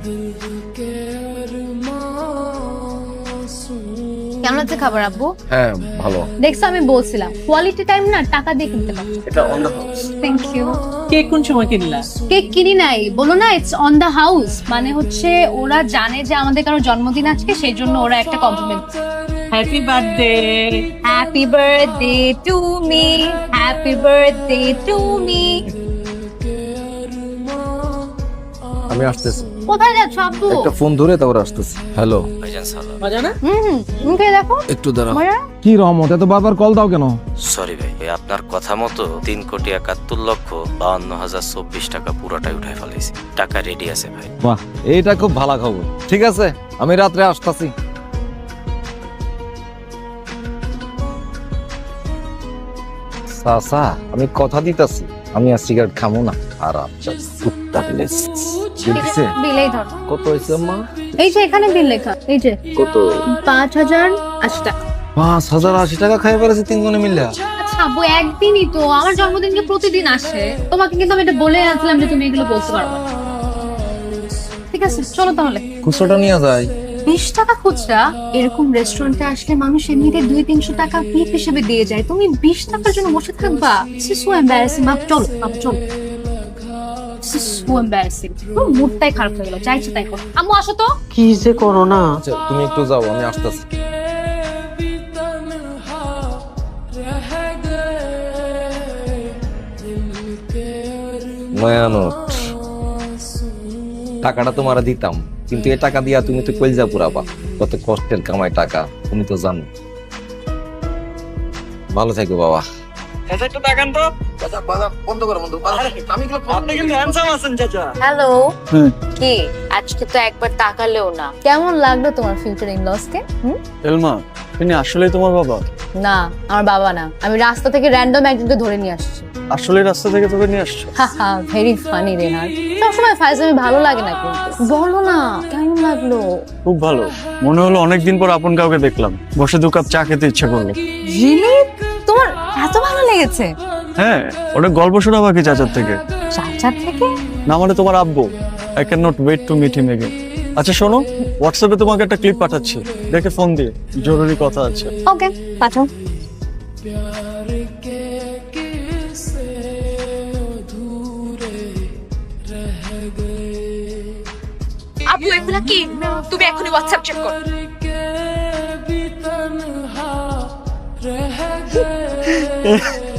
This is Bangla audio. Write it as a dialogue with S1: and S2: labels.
S1: কেমন আছে খাবার আব্বু?
S2: হ্যাঁ ভালো।
S1: দেখছো আমি বলছিলাম কোয়ালিটি টাইম না টাকা দিয়ে কিনতে পারো।
S2: এটা on the house.
S1: Thank you.
S3: Cake কোন সময় কিনলা?
S1: কেক কিনি নাই, বলো না ইটস অন দ্য হাউস, মানে হচ্ছে ওরা জানে যে আমাদের কারো জন্মদিন আজকে, সেই জন্য ওরা একটা compliment.
S3: Happy birthday.
S1: Happy birthday to me, happy birthday to me.
S2: আমি আসতেছি।
S1: কোথায় যাচ্ছ আব্বু?
S2: একটা ফোন ধরে তারপর আসতেছি। হ্যালো।
S3: মজা না?
S1: মুখে দেখো।
S2: একটু দাঁড়াও।
S1: মজা?
S4: কি রহমত, এত বারবার কল দাও কেন?
S5: সরি ভাই, আপনার কথা মতো 3,71,52,024 টাকা পুরোটাই উঠাই ফেলেছি। টাকা রেডি আছে ভাই।
S2: বাহ, এইটা খুব ভালো খবর। ঠিক আছে, আমি রাত্রে আসতেছি। সাসা, আমি কথা দিতাছি আমি আর সিগারেট খামো না। আর আচ্ছা কুত্তার লেস দেখছে
S1: বিলেই ধর।
S2: কত হয়েছে মা?
S1: এই যে এখানে বিল লেখা, এই যে
S2: কত?
S1: 5,080 টাকা।
S2: 5,080 টাকা খাই ফেলেছে তিনজনে মিলে।
S1: আচ্ছা আব্বু, একদিনই তো, আমার জন্মদিনকে প্রতিদিন আসে। তোমাকে কিন্তু আমি এটা বলে আসলাম যে তুমি এগুলো বলতে পারবে না। ঠিক আছে চলো তাহলে।
S2: খুচরোটা নিয়ে যাই।
S1: 20 টাকা খুচরা? এরকম রেস্টুরেন্টে আসলে মানুষ এমনিতে 200-300 টাকা টিপ হিসেবে দিয়ে যায়, তুমি 20 টাকার জন্য বসে থাকবা? So embarrassing. চলো চলো। So embarrassing. মুডটাই খারাপ হয়ে গেল, চাইছে তাই করো। আম্মু আসো তো।
S3: কি যে করো না।
S2: আচ্ছা তুমি একটু যাও, আমি আসতেছি। মায়ানোট, টাকাটা তোমার দিতাম, কিন্তু এই টাকা দিয়া তুমি তো কলজা পুরাবা। কত কষ্টের কামাই টাকা, তুমি তো জানো। ভালো থাকো বাবা।
S3: একটু তাকান তো।
S2: বন্ধ করো বন্ধু।
S3: আপনি কিন্তু হ্যান্ডসাম আছেন চাচা।
S1: হ্যালো। কি আজকে তো একবার তাকালেও না। কেমন লাগলো তোমার ফিউচার ইন লস কে?
S4: এলমা, তিনি আসলে তোমার বাবা?
S1: না, আমার বাবা না, আমি রাস্তা থেকে র্যান্ডম একজনকে ধরে নিয়ে আসছি।
S4: আসলে রাস্তা থেকে তোকে নিয়ে আসছো?
S1: হাহা, ভেরি ফানি রেহান। সবসময় ফাইজলামি ভালো লাগে না, কিন্তু বলো না কেমন লাগলো?
S4: খুব ভালো। মনে হলো অনেকদিন পর আপন কাউকে দেখলাম। বসে 2 কাপ চা খেতে ইচ্ছে করলো।
S1: রিয়েলি? তোমার এত ভালো লেগেছে?
S4: হ্যাঁ, ওটা গল্প শোনা বাকি চাচার থেকে।
S1: চাচা থেকে?
S4: না মানে তোমার আব্বু। I can not wait to meet him again. আচ্ছা শোনো, হোয়াটসঅ্যাপে তোমাকে একটা ক্লিপ পাঠাচ্ছি, দেখে ফোন দিয়ে, জরুরি কথা আছে।
S1: ওকে পাঠাও।
S6: আবু এগুলা কি? তুমি এখনই হোয়াটসঅ্যাপ চেক করো।